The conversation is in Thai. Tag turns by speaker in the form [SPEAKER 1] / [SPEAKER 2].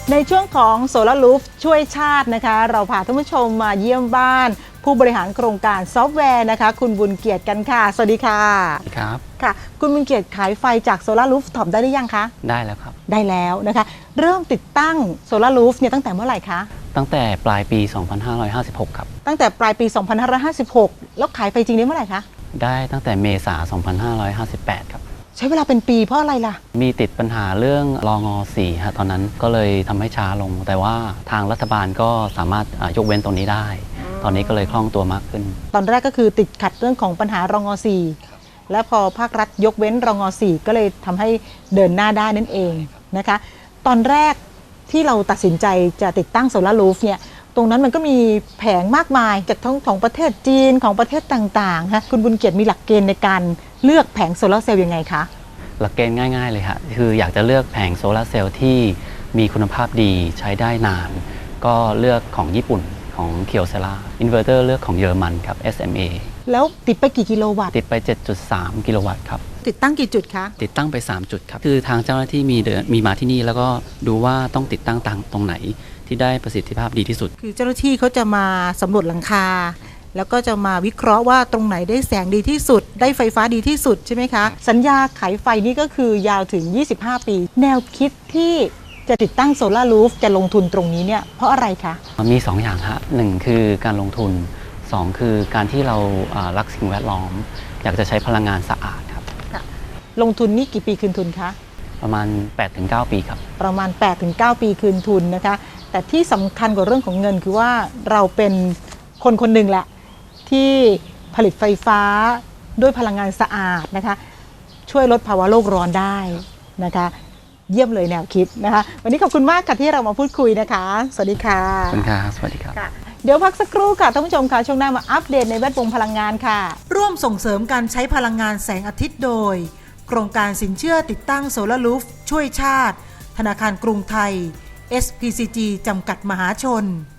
[SPEAKER 1] ในช่วงของโซลารูฟช่วยชาตินะคะเราพาท่านผู้ชมมาเยี่ยมบ้านผู้บริหารโครงการซอฟต์แวร์นะคะคุณบุญเกียรติกันค่ะสวัสดีค่ะ
[SPEAKER 2] ครับ
[SPEAKER 1] ค่ะคุณบุญเกียรติขายไฟจากโซลารูฟท็อปได้หรือยังคะ
[SPEAKER 2] ได้แล้วครับ
[SPEAKER 1] ได้แล้วนะคะเริ่มติดตั้งโซลารูฟเนี่ยตั้งแต่เมื่อไหร่คะ
[SPEAKER 2] ตั้งแต่ปลายปี 2556 ครับ
[SPEAKER 1] ตั้งแต่ปลายปี 2556 แล้วขายไฟจริงได้เมื่อไหร่คะ
[SPEAKER 2] ได้ตั้งแต่เมษา 2558 ครับ
[SPEAKER 1] ใช้เวลาเป็นปีเพราะอะไรล่ะ
[SPEAKER 2] มีติดปัญหาเรื่องรอง4ฮะตอนนั้นก็เลยทำให้ช้าลง แต่ว่าทางรัฐบาลก็สามารถยกเว้นตรงนี้ได้ ตอนนี้ก็เลยคล่องตัวมากขึ้น
[SPEAKER 1] ตอนแรกก็คือติดขัดเรื่องของปัญหารอง4และพอภาครัฐยกเว้นรอง4ก็เลยทำให้เดินหน้าได้นั่นเองนะคะตอนแรกที่เราตัดสินใจจะติดตั้งโซลารูฟเนี่ยตรงนั้นมันก็มีแผงมากมายจากทั้งของประเทศจีนของประเทศต่างๆนะคุณบุญเกียรติมีหลักเกณฑ์ในการเลือกแผงโซลาร์เซลล์ยังไงคะ
[SPEAKER 2] หลักเกณฑ์ง่ายๆเลยค่ะคืออยากจะเลือกแผงโซลาร์เซลล์ที่มีคุณภาพดีใช้ได้นานก็เลือกของญี่ปุ่นของเคียวเซล่าอินเวอร์เตอร์เลือกของเยอรมันครับ SMA
[SPEAKER 1] แล้วติดไปกี่กิโลวัตต์
[SPEAKER 2] ติดไป 7.3 กิโลวัตต์ครับ
[SPEAKER 1] ติดตั้งกี่จุดคะ
[SPEAKER 2] ติดตั้งไป3จุดครับคือทางเจ้าหน้าที่มีมาที่นี่แล้วก็ดูว่าต้องติดตั้งตรงไหนที่ได้ประสิทธิภาพดีที่สุด
[SPEAKER 1] คือเจ้าหน้าที่เขาจะมาสำรวจหลังคาแล้วก็จะมาวิเคราะห์ว่าตรงไหนได้แสงดีที่สุดได้ไฟฟ้าดีที่สุดใช่ไหมคะสัญญาขายไฟนี่ก็คือยาวถึง25ปีแนวคิดที่จะติดตั้งโซลารูฟจะลงทุนตรงนี้เนี่ยเพราะอะไรคะ
[SPEAKER 2] มี2อย่างฮะ1คือการลงทุน2คือการที่เรารักสิ่งแวดล้อมอยากจะใช้พลังงานสะอาดครับ
[SPEAKER 1] ลงทุนนี่กี่ปีคืนทุนคะ
[SPEAKER 2] ประมาณ 8-9 ปีครับ
[SPEAKER 1] ประมาณ 8-9 ปีคืนทุนนะคะแต่ที่สำคัญกว่าเรื่องของเงินคือว่าเราเป็นคนคนหนึ่งแหละที่ผลิตไฟฟ้าด้วยพลังงานสะอาดนะคะช่วยลดภาวะโลกร้อนได้นะคะเยี่ยมเลยแนวคิดนะคะวันนี้ขอบคุณมากค่ะที่เรามาพูดคุยนะคะสวัสดีค่ะ
[SPEAKER 2] ขอบคุณครับสวัสดีครับ
[SPEAKER 1] เดี๋ยวพักสักครู่ค่ะท่านผู้ชมค่ะช่วงหน้ามาอัปเดตในแวดวงพลังงานค่ะร่วมส่งเสริมการใช้พลังงานแสงอาทิตย์โดยโครงการสินเชื่อติดตั้งโซลารูฟช่วยชาติธนาคารกรุงไทย SPCG จำกัดมหาชน